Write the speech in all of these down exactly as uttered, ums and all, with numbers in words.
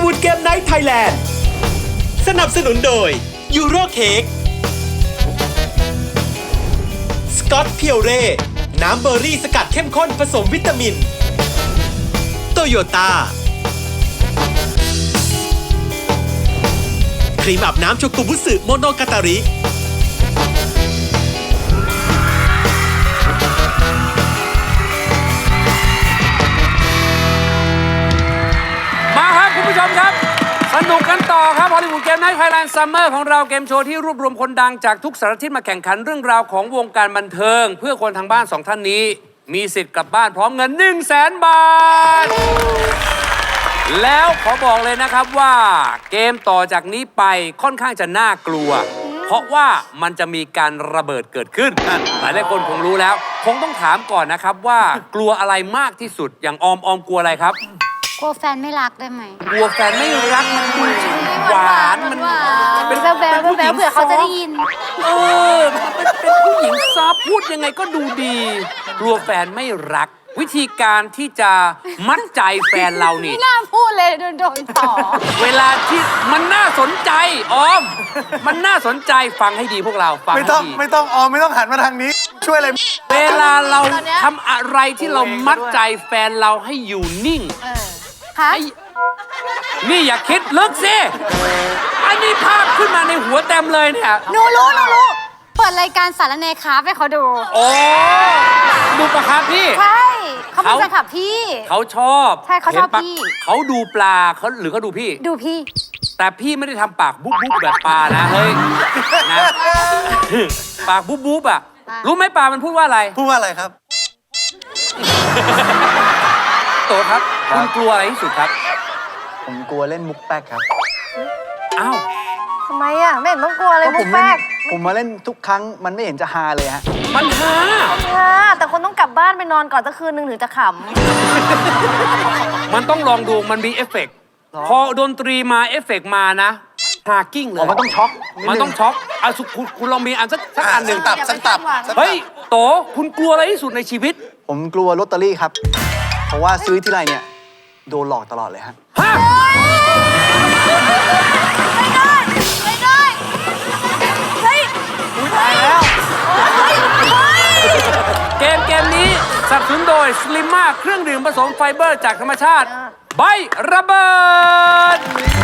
วูดเกมไนท์ไทยแลนด์สนับสนุนโดยยูโรเค้กสกอตเพียวเร่น้ำเบอร์รี่สกัดเข้มข้นผสมวิตามินโตโยต้าครีมอาบน้ำโชกุบุสึโมโนกาตาริมาครับคุณผู้ชมครับสนุกกันต่อครับฮอลลีวูดเกมไนท์ไทยแลนด์ซัมเมอร์ของเราเกมโชว์ที่รวบรวมคนดังจากทุกสารทิศมาแข่งขันเรื่องราวของวงการบันเทิงเพื่อคนทางบ้านสองท่านนี้มีสิทธิ์กลับบ้านพร้อมเงิน หนึ่งแสน บาทแล้วขอบอกเลยนะครับว่าเกมต่อจากนี้ไปค่อนข้างจะน่ากลัวเพราะว่ามันจะมีการระเบิดเกิดขึ้นหลายหลายคนคงรู้แล้วคงต้องถามก่อนนะครับว่ากลัวอะไรมากที่สุดอย่างออมออมกลัวอะไรครับกลัวแฟนไม่รักได้ไหมกลัวแฟนไม่รักมันดูหวานมันเป็นแววแววแววเผื่อเขาจะได้ยินเออเป็นเป็นผู้หญิงซอฟพูดยังไงก็ดูดีกลัวแฟนไม่รักวิธีการที่จะมัดใจแฟนเรานี่ไม่น่าพูดเลยโดนโดนต่อเวลาที่มันน่าสนใจออมมันน่าสนใจฟังให้ดีพวกเราฟังให้ดีไม่ต้องออมไม่ต้องหันมาทางนี้ช่วยอะไรเวลาเราทำอะไรที่เรามัดใจแฟนเราให้อยู่นิ่งนี่อย่าคิดลึกสิอันนี้ภาพขึ้นมาในหัวเต็มเลยเนี่ยหนูรู้หนูรู้เปิดรายการสารเนคาให้เขาดูโอ้ดูปะครับพี่ใช่เขาเป็นแฟนคลับพี่เขาชอบใช่เขาชอบพี่เขาดูปลาเขาหรือเขาดูพี่ดูพี่แต่พี่ไม่ได้ทำปากบุ๊บบุ๊บแบบปลานะเฮ้ยนะปากบุ๊บบุ๊บอะรู้ไหมปลามันพูดว่าอะไรพูดว่าอะไรครับโตครับคุณกลัวอะไรที่สุดครับผมกลัวเล่นมุกแป๊กครับอ้าวทำไมอ่ะไม่เห็นต้องกลัวเลยมุกแป๊กผมมาเล่นทุกครั้งมันไม่เห็นจะฮาเลยฮะมันฮาฮาแต่คนต้องกลับบ้านไปนอนก่อนสักคืนนึงถึงจะขำมันต้องลองดูมันมีเอฟเฟกต์พอดนตรีมาเอฟเฟกต์มานะฮากิ้งเลยมันต้องช็อกมันต้องช็อกอ่ะคุณคุณลองมีอันสักสักอันหนึ่งตับสักตับเฮ้ยโตคุณกลัวอะไรที่สุดในชีวิตผมกลัวลอตเตอรี่ครับเพราะว่าซื้อที่ไรเนี่ยโดนหลอกตลอดเลยฮะฮะไม่ได้ไม่ได้เฮ้ยตายแล้วเกมเกมนี้สนับสนุนโดยสลิมมาเครื่องดื่มผสมไฟเบอร์จากธรรมชาติใบระเบิด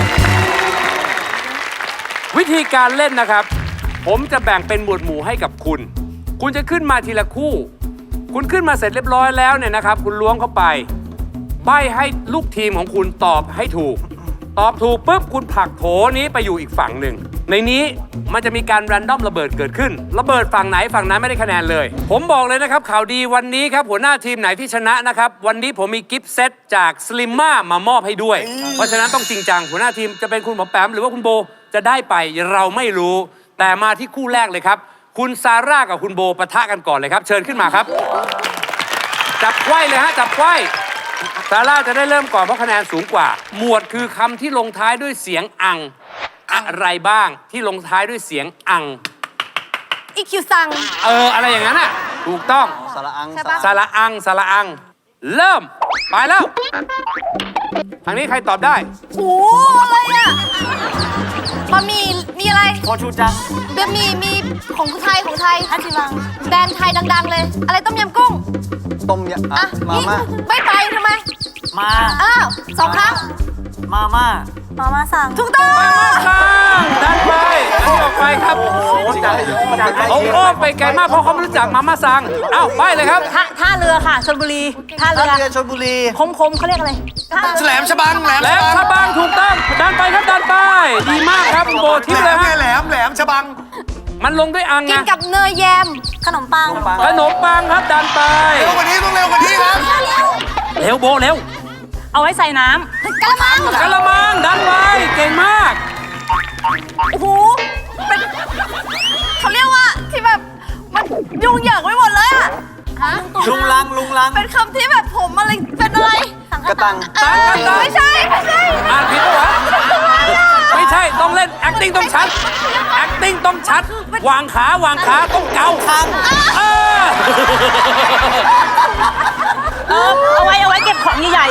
วิธีการเล่นนะครับผมจะแบ่งเป็นหมวดหมู่ให้กับคุณคุณจะขึ้นมาทีละคู่คุณขึ้นมาเสร็จเรียบร้อยแล้วเนี่ยนะครับคุณล้วงเข้าไปใบ้ให้ลูกทีมของคุณตอบให้ถูกตอบถูกปุ๊บคุณผลักโถนี้ไปอยู่อีกฝั่งหนึ่งในนี้มันจะมีการแรนดอมระเบิดเกิดขึ้นระเบิดฝั่งไหนฝั่งนั้นไม่ได้คะแนนเลยผมบอกเลยนะครับข่าวดีวันนี้ครับหัวหน้าทีมไหนที่ชนะนะครับวันนี้ผมมีกิฟต์เซตจากสลิมม่ามามอบให้ด้วยเพราะฉะนั้นต้องจริงจังหัวหน้าทีมจะเป็นคุณหมอแปมหรือว่าคุณโบจะได้ไปเราไม่รู้แต่มาที่คู่แรกเลยครับคุณซาร่ากับคุณโบปะทะกันก่อนเลยครับเชิญขึ้นมาครับจับไขว้เลยฮะจับไขว้ซาร่าจะได้เริ่มก่อนเพราะคะแนนสูงกว่าหมวดคือคำที่ลงท้ายด้วยเสียงอังอะไรบ้างที่ลงท้ายด้วยเสียงอังอีคิวซังเอออะไรอย่างนั้นอ่ะถูกต้องสาระอังสาระอังสาระอังเริ่มไปแล้วทางนี้ใครตอบได้โอ้อะไรอ่ะบะหมี่มีอะไรโคชูจังบะหมี่มีของไทยของไทยฮันจิมังแบรนด์ไทยดังๆเลยอะไรต้มยำกุ้งต้มยำอ่ะมาม่าไม่ไปทำไมมาอ้าวสองครั้งมาม่ามาม่าสั่งถูกต้องมาม่าสั่งดันไปอันนี้ออกไปครับเขาอ้อมไปไกลมากเพราะเขาไม่รู้จักมาม่าสั่งเอ้าไปเลยครับท่าเรือค่ะชลบุรีท่าเรือชลบุรีคมคมเขาเรียกอะไรแหลมฉบังแหลมฉบังถูกต้องดันไปครับดันไปดีมากครับโบทิปเลยฮะแหลมแหลมฉบังมันลงด้วยอังไงกินกับเนยแยมขนมปังขนมปังครับดันไปเร็วกว่านี้ต้องเร็วกว่านี้ครับเร็วโบเร็วเอาไว้ใส่น้ำกะละมังกะละมังดันไว้เก่งมากโอ้โหเป็นเขาเรียกว่าที่แบบมันยุ่งเหยิงไปหมดเลยอะลุงลังลุงลังเป็นคำที่แบบผมอะไรเป็นอะไรกระตังตังกระตังไม่ใช่ไม่ใช่อ่านผิดปะวะไม่ใช่ต้องเล่น acting ต้องชัด acting ต้องชัดวางขาวางขาต้องเกาคางเออเอาไว้เอาไว้เก็บของใหญ่ๆ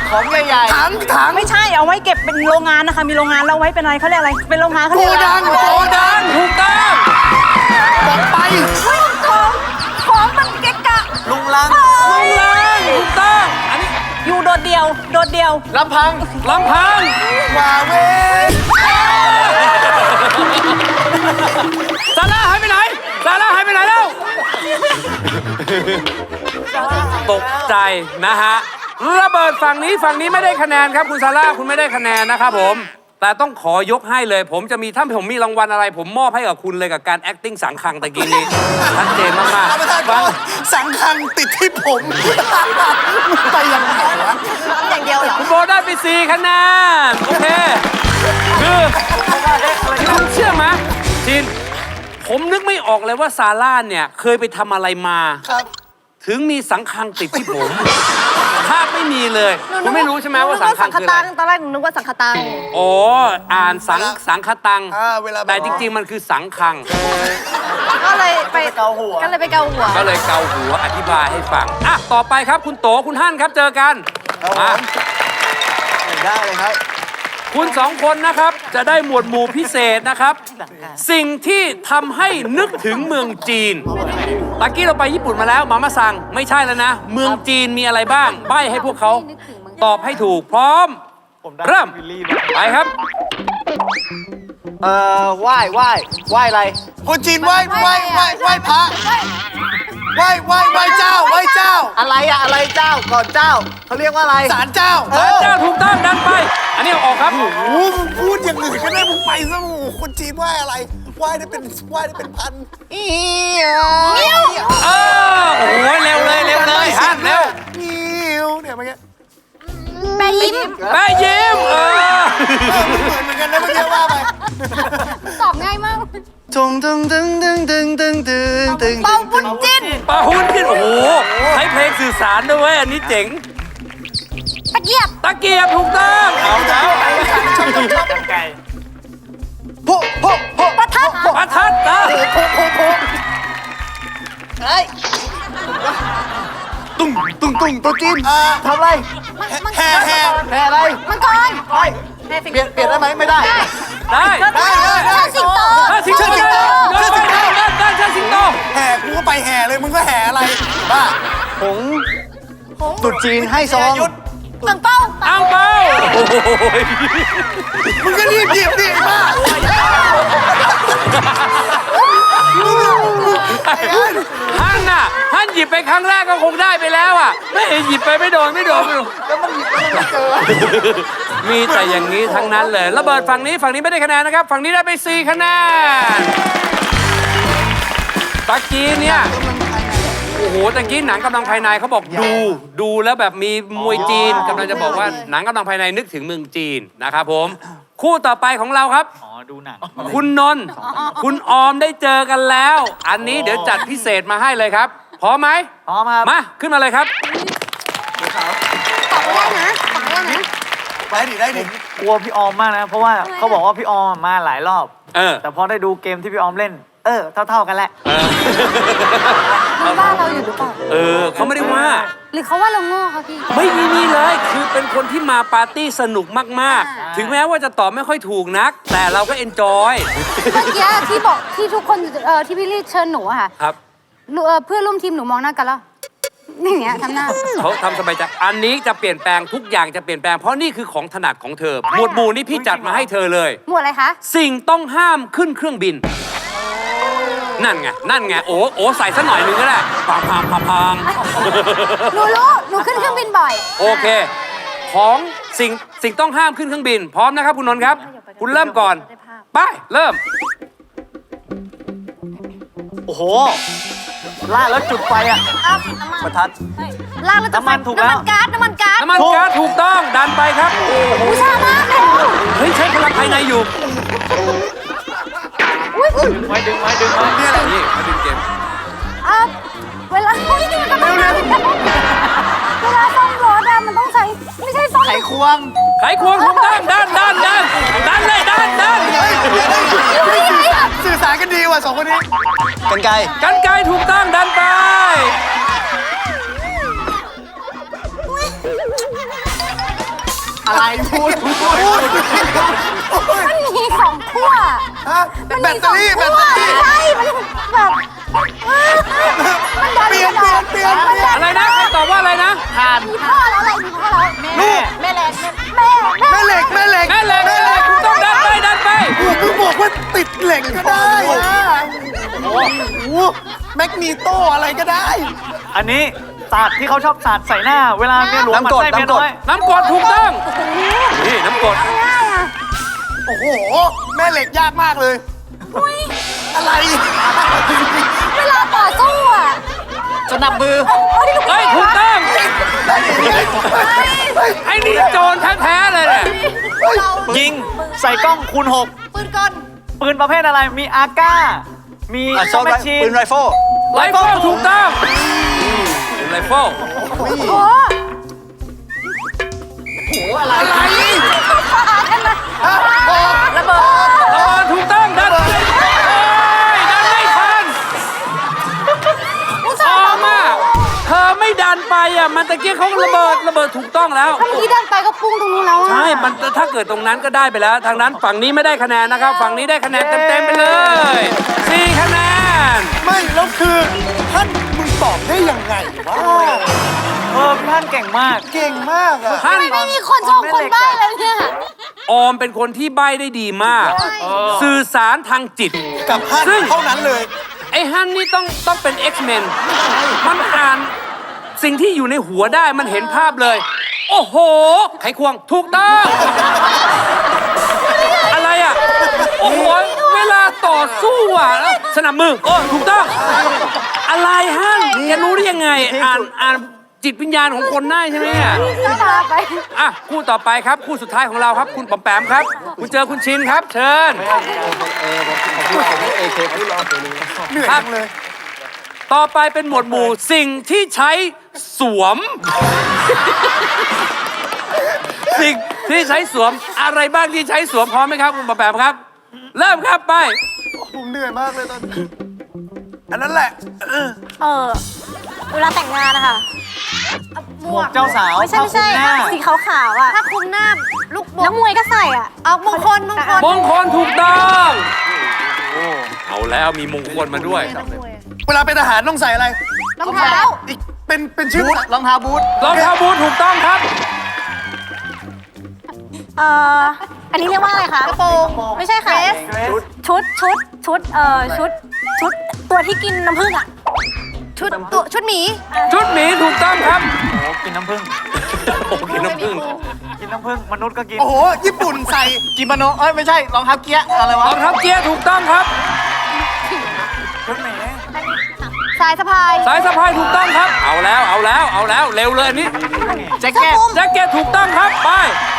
ของใหญ่ๆถังถังไม่ใช่เอาไว้เก็บเป็นโรงงานนะคะ มีโรงงานแล้วไว้เป็นอะไรเขาเรียกอะไร เป็นโรงงานเขาโกเรียกอะไรดังโกโกดัดังงถูกต้องบอกไปของของมันเกะกะลุงลังลุงลังถูกต้อง อันนี้อยู่โดดเดียว โดดเดียวลำพังลำพังว่าเวซาร่าหายไปไหนซาร่าหายไปไหนแล้ว ตกใจนะฮะ ระเบิดฝั่งนี้ฝั่งนี้ไม่ได้คะแนนครับคุณซาร่าคุณไม่ได้คะแนนนะครับผม แต่ต้องขอยกให้เลย ผมจะมีถ้าผมมีรางวัลอะไร ผมมอบให้กับคุณเลยกับการ acting สังคังตะกี้นี้ชัดเจนมากท่านประธานๆฟังสังคังติดที่ผม ไปยังไงวะอย่างเดียวเหรอคุณโบได้ไปสี่คะแนน โอเค คือคุณเชื่อไหมจิน ผมนึกไม่ออกเลยว่าซาร่าเนี่ย เคยไปทำอะไรมาครับถึงมีสังคังติดที่ผมถ้าไม่มีเลยคุณไม่รู้ใช่ไหมว่าสังคังคืออะไรตอนแรกหนูนึกว่าสังคตังอ๋อ อ่านสังสังคตังอ่าเวลาแบบแต่จริง ๆ มันคือสังคังก็เลยไปเกาหัวก็เลยไปเกาหัวก็เลยเกาหัวอธิบายให้ฟัง อ่ะ ต่อไปครับคุณโตคุณฮั่นครับเจอกันครับผมมาได้เลยครับคุณสองคนนะครับ จะได้หมวดหมู่พิเศษนะครับ สิ่งที่ทำให้นึกถึงเมืองจีนตะกี้เราไปญี่ปุ่นมาแล้วมามาสั่งไม่ใช่แล้วนะ เมืองจีนมีอะไรบ้าง ใบ้ให้พวกเขาตอบให้ถูกพร้อม เริ่มไปครับเอ่อไหว้ไหว้ไหว้อะไรคนจีนไหว้ไหว้ไหว้ไหว้พระไหว้ไหว้ไหว้เจ้าไหว้เจ้า อะไรอะอะไรเจ้าก่อนเจ้าเขาเรียกว่าอะไรศาลเจ้าศาลเจ้าถูกต้องดันไป อันนี้เอาออกครับโอ้โหมึงพูดอย่างอื่นก็ได้มึงไปซะโอ้โหคนจีนไหว้อะไรไหว้ได้เป็นไหว้ได้เป็นพันอีเงี้ยวเออโอ้โหเร็วเลยเร็วเลยฮั่นเร็วเงี้ยวเนี่ยเมื่อกี้แม่ยิ้มแม่ยิ้มเออเออมันเหมือนเหมือนกันนะเมื่อกี้ว่าไปตอบง่ายมากจงตึงตึงตึงตึงตึงตึงตึงเป่าบุญจิ้นปาหุ้นขึ้นโอ้โหใช้เพลงสื่อสารด้วยเวยอันนี้เจ๋งตะเกียบตะเกียบถูกต้องเอาแล้วโพโพโพประทัดประทัดนะโพโพโพเฮ้ยตุ้งตุ้งตุ้งตัวจีนทำอะไรแห่แห่แห่อะไรมังกรไปเปลี่ยนเปลี่ยนได้ไหมไม่ได้ได้ได้ได้ได้เชิดสิงโตถ้าสิงโตเชิดสิงโตเดินไปเดินเดินเชิดสิงโตแห่กูก็ไปแห่เลยมึงก็แห่อะไรบ้าผงตุดจีนให้ซองตังเป้าอังเปาโอ้ยมึงก็รีบหยิบดิบ้าฮั่นน่ะฮั่นหยิบไปครั้งแรกก็คงได้ไปแล้วอ่ะไม่หยิบไปไม่โดนไม่โดนไม่โดนแล้วมันหยิบแล้วมันเจอมีแต่อย่างนี้ทั้งนั้นเลยระเบิดฝั่งนี้ฝั่งนี้ไม่ได้คะแนนนะครับ ฝั่งนี้ได้ไปสี่คะแนนตะกี้เนี่ยโอ้โหตะกี้หนังกำลังภายในเขาบอกดูดูแล้วแบบมีมวยจีนกำลังจะบอกว่าหนังกำลังภายในนึกถึงเมืองจีนนะครับผม คู่ต่อไปของเราครับอ๋อดูหนังคุณนนท์คุณออมได้เจอกันแล้ว อันนี้เดี๋ยวจัดพิเศษมาให้เลยครับพร้อมไหมพร้อมครับมาขึ้นมาเลยครับตอบได้นะตอบได้นะไปดิได้ดิกลัวพี่ออมมากนะ เพราะว่าเขาบอกว่าพี่ออมมาหลายรอบเออแต่พอได้ดูเกมที่พี่ออมเล่น เออ เท่า ๆกันแหละเออมันว่าเราอยู่หรือเปล่าเออเขาไม่ได้ว่าหรือเขาว่าเราโง่คะพี่ไม่มีนี่เลย คือเป็นคนที่มาปาร์ตี้สนุกมากอ่าๆ ถึงแม้ว่าจะตอบไม่ค่อยถูกนัก แต่เราก็เอนจอยเมื่อกี้ที่บอกที่ทุกคนเอ่อที่พี่ลี่เชิญหนูอะค่ะครับหนูเอ่อเพื่อนร่วมทีมหนูมองหน้ากันแล้วอย่างเงี้ยทำหน้าเขาทำสบายใจอันนี้จะเปลี่ยนแปลงทุกอย่างจะเปลี่ยนแปลง เพราะนี่คือของถนัดของเธอ หมวดหมู่นี่พี่จัดมาให้เธอเลยหมวดอะไรคะสิ่งต้องห้ามขึ้นเครื่องบิน นั่นไง นั่นไง โอ้โอ้ใส่สักหน่อยหนึงก็ได้พังพังพังพังหนูรู้ หนูขึ้นเครื่องบินบ่อยโอเค ของสิ่งสิ่งต้องห้ามขึ้นเครื่องบิน พร้อมนะครับคุณนนท์ครับ คุณเริ่มก่อน ไป เริ่มโอ้โหลาดแล้วจุดไฟอ่ะอ้าวน้ำมันประทัดลากแล้วจะน้ำมันถูกแล้วน้ำมันก๊าซน้ำมันก๊าซน้ำมันก๊าซถูกต้อง ดันไปครับ โอ้โหผู้ชามากเลยเฮ้ย ใช้พลังภายในอยู่ไว้ดึงไว้ดึงไว้นี่อะไรนี่มาดึงเกมอ่ะเวลาเฮ้ยนี่มันกำลังมาเวลาซ่อมรถอะมันต้องใช้ไม่ใช่ซ่อมไขควงไขควงถูกต้องดันดันดันดันเลยดันดันสื่อสารกันดีว่ะสองคนนี้กันไกกันไกรถูกต้องดันไปอะไรพูดพูดมันมีสองขั้วฮะแบตเตอรี่แบตเตอรี่ใช่มันแบบมันดันเปลี่ยนเปลี่ยนเปลี่ยนเปลี่ยนอะไรนะใครตอบว่าอะไรนะทานมีพ่อแล้วอะไรมีพ่อแล้วแม่แม่แรงแม่แม่เหล็กแม่เหล็กแม่เหล็กแม่เหล็กคุณต้องดันไปดันไปโอ้โหมึงบอกว่าติดเหล็กก็ได้อะโอ้โหแมกนีโตอะไรก็ได้อันนี้ศาสตร์ที่เขาชอบศาสตร์ใส่หน้า เวลาเมียหลวงมันไส้เมียน้อยน้ำกรดถูกต้อง นี่น้ำกรดง่ายอ่ะโอ้โห แม่เหล็กยากมากเลย อะไรเวลาต่อสู้อ่ะสนับมือเฮ้ยถูกต้องไอ้นี่โจรแท้ๆเลยเนี่ยยิงใส่กล้องคูณหกปืนกลปืนประเภทอะไร มีอาก้า มีซอมแมชชีนปืนไรเฟิลไรเฟิลถูกต้องไรเฟิลโอ้โหอะไรระเบิดเออถูกต้องดันไปโอ้ยดันไม่ทันพอมากเธอไม่ดันไปอ่ะมันตะเกียบเขาระเบิดระเบิดถูกต้องแล้วถ้าเมื่อกี้เดินไปก็ปุ้งตรงนู้นแล้วอ่ะใช่ มันถ้าเกิดตรงนั้นก็ได้ไปแล้ว ทางนั้นฝั่งนี้ไม่ได้คะแนนนะครับ ฝั่งนี้ได้คะแนนเต็มๆไปเลยสี่คะแนนไม่แล้วคือท่านมึงตอบได้ยังไงวะเออพี่ท่านเก่งมากเก่งมากอะท่านไม่มีคนชมคนบ้าเลยเนี่ยออมเป็นคนที่ใบ้ได้ดีมาก สื่อสารทางจิตกับท่านซึ่งเท่านั้นเลยไอ้ฮันนี่ต้องต้องเป็น X-Men มันอ่านสิ่งที่อยู่ในหัวได้มันเห็นภาพเลย โอ้โห ไขควงถูกต้อง อะไรอ่ะ โอ้โห เวลาต่อสู้อ่ะแล้วสนับมือโอ้ถูกต้อง อะไรฮันแกรู้ได้ยังไง อ่านอ่านจิตวิญญาณของคนได้ใช่ไหมอ่ะก็ตาไปอ่ะคู่ต่อไปครับ คู่สุดท้ายของเราครับ คุณปอมแปมครับ คุณเจอคุณชินครับ เชิญเหนื่อยจังเลยต่อไปเป็นหมวดหมู่สิ่งที่ใช้สวม สิ่งที่ใช้สวมอะไรบ้างที่ใช้สวมพร้อมไหมครับคุณปอมแปมครับ เริ่มครับไปผมเหนื่อยมากเลยตอนนี้อันนั้นแหละเออเออเวลาแต่งงานนะคะหมหมววกกเจ้าสาวไม่ใช่ไม่ใช่ผ้าคลุมหน้าสีขาวๆอ่ะถ้าคลุมหน้าลูกบอนัลกมวยก็ใส่อ่ะเอามงคลมงคลมงคลถูกต้อง เอาแล้วมีมงคลมาด้วยเวลาเป็นทหารต้องใส่อะไรรองเท้าอีกเป็นเป็นชื่อบูทรองเท้าบูทรองเท้าบูทถูกต้องครับเอ่ออันนี้เรียกว่าอะไรคะกระโปรงไม่ใช่ค่ะ ชุดชุดชุดเอ่อชุดชุดตัวที่กินน้ำผึ้งอ่ะชุดตัวชุดหมีชุดหมีถูกต้องครับโอ้กินน้ำผึ้งโอ้กินน้ำผึ้งกินน้ำผึ้งมนุษย์ก็กินโอ้โห ญี่ปุ่นใส่กินมโนเอ้ยไม่ใช่รองเท้าเกียร์อะไรวะรองเท้าเกียร์ถูกต้องครับชุดไหนสายสะพายสายสะพายถูกต้องครับ เอาแล้วเอาแล้วเอาแล้วเร็วเลยอันนี้แจ็คเก็ตแจ็คเก็ตถูกต้องครับไป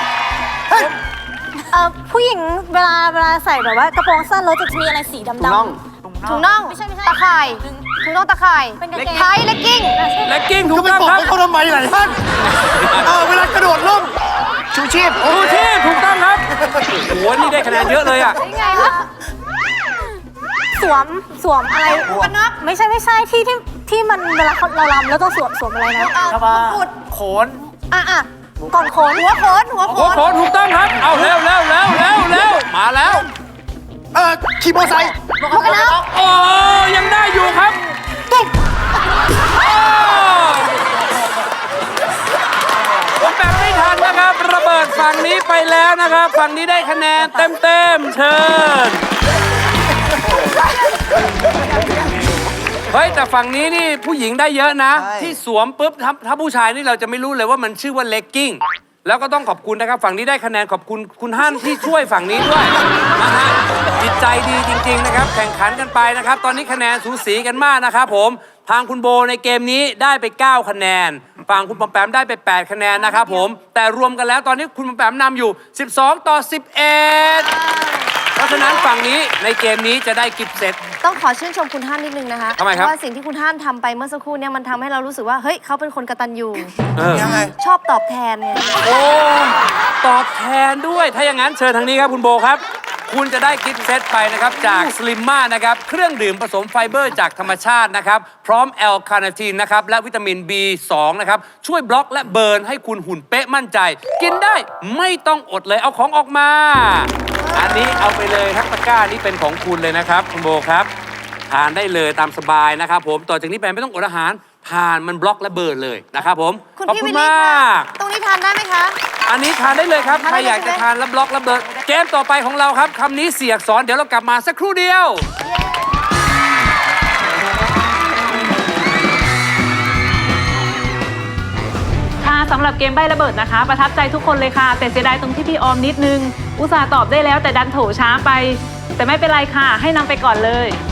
เอ่อผู้หญิงเวลาเวลาใส่แบบว่ากระโปรงสั้นแล้วจะมีอะไรสีดำๆถุงน่องไม่ใช่ไม่ใช่ตะข่ายถุงน่องตะข่ายเป็นกางเกงไทยเลกกิ้งและกิ้งถูก็กไปต้องบอกครับให้เขาทำไมล่ะท่านเออเวลากระโดดร่มชูชีพชูชีพถูกต้องครับโอ้โหนี่ได้คะแนนเยอะเลยอ่ะยังไงวะสวมสวมอะไรกันน็อกไม่ใช่ไม่ใช่ที่ที่ที่มันเวลาเราลำแล้วต้องสวมสวมอะไรนะชบากุดโขนอ่ะอ่ะก่อนโขนหัวโขนหัวโขโอ้นโหถูกต้องครับ เอาเร็วเร็วเร็วเร็วเร็วมาแล้วเออขี่มอเตอร์ไซค์หมวกกันน็อกโอ้ยังได้อยู่ครับตุ๊บโอ้ผมแบบไม่ทันนะครับ ระเบิดฝั่งนี้ไปแล้วนะครับ ฝั่งนี้ได้คะแนนเต็มเต็มๆเชิญ เฮ้ย แต่ฝั่งนี้นี่ผู้หญิงได้เยอะนะ ที่สวมปุ๊บถ้าถ้าผู้ชายนี่เราจะไม่รู้เลยว่ามันชื่อว่าเลกกิ้ง แล้วก็ต้องขอบคุณนะครับ ฝั่งนี้ได้คะแนนขอบคุณคุณฮั่นที่ช่วยฝั่งนี้ด้วยนะฮะจิตใจดีจริง ๆนะครับ แข่งขันกันไปนะครับ ตอนนี้คะแนนสูสีกันมากนะครับผมทางคุณโบในเกมนี้ได้ไปเก้าคะแนนฝั่งคุณปอมแปมได้ไปแปดคะแนนนะครับผมแต่รวมกันแล้วตอนนี้คุณปอมแปมนำอยู่สิบสองต่อสิบเอ็ดเพราะฉะนั้นฝั่งนี้ในเกมนี้จะได้กิฟต์เซตต้องขอชื่นชมคุณท่านนิดนึงนะคะทำไมครับเพราะว่าสิ่งที่คุณท่านทำไปเมื่อสักครู่เนี่ยมันทำให้เรารู้สึกว่าเฮ้ยเขาเป็นคนกตัญญูเออยังไงชอบตอบแทนไงโอ้ ตอบแทนด้วย ถ้าอย่างนั้นเชิญทางนี้ครับคุณโบครับคุณจะได้กิฟต์เซตไปนะครับจากสลิมมานะครับเครื่องดื่มผสมไฟเบอร์จากธรรมชาตินะครับพร้อมแอลคาเนทีนนะครับและวิตามิน บี สอง นะครับช่วยบล็อกและเบิร์นให้คุณหุ่นเป๊ะมั่นใจ กินได้ไม่ต้องอดเลยเอาของออกมา อันนี้เอาไปเลยทั้งตะกร้านี้เป็นของคุณเลยนะครับคุณโบครับทานได้เลยตามสบายนะครับผมต่อจากนี้ไปไม่ต้องอดอาหารทานมันบล็อกและเบิร์นเลยนะครับผมคุณขอบพี่คุวิณลลี่มาคะกตรงนี้ทานได้ไหมคะอันนี้ทานได้เลยครับทานใครได้เลยอยากจะใช่ไหมทานแล้วบล็อกแล้วเบิร์นเกมต่อไปของเราครับคำนี้เสียอักษรเดี๋ยวเรากลับมาสักครู่เดียวค่ะสำหรับเกมใบ้ระเบิดนะคะ ประทับใจทุกคนเลยค่ะ แต่เสียดายตรงที่พี่ออมนิดนึง อุตส่าห์ตอบได้แล้วแต่ดันโถช้าไป แต่ไม่เป็นไรค่ะ ให้นำไปก่อนเลย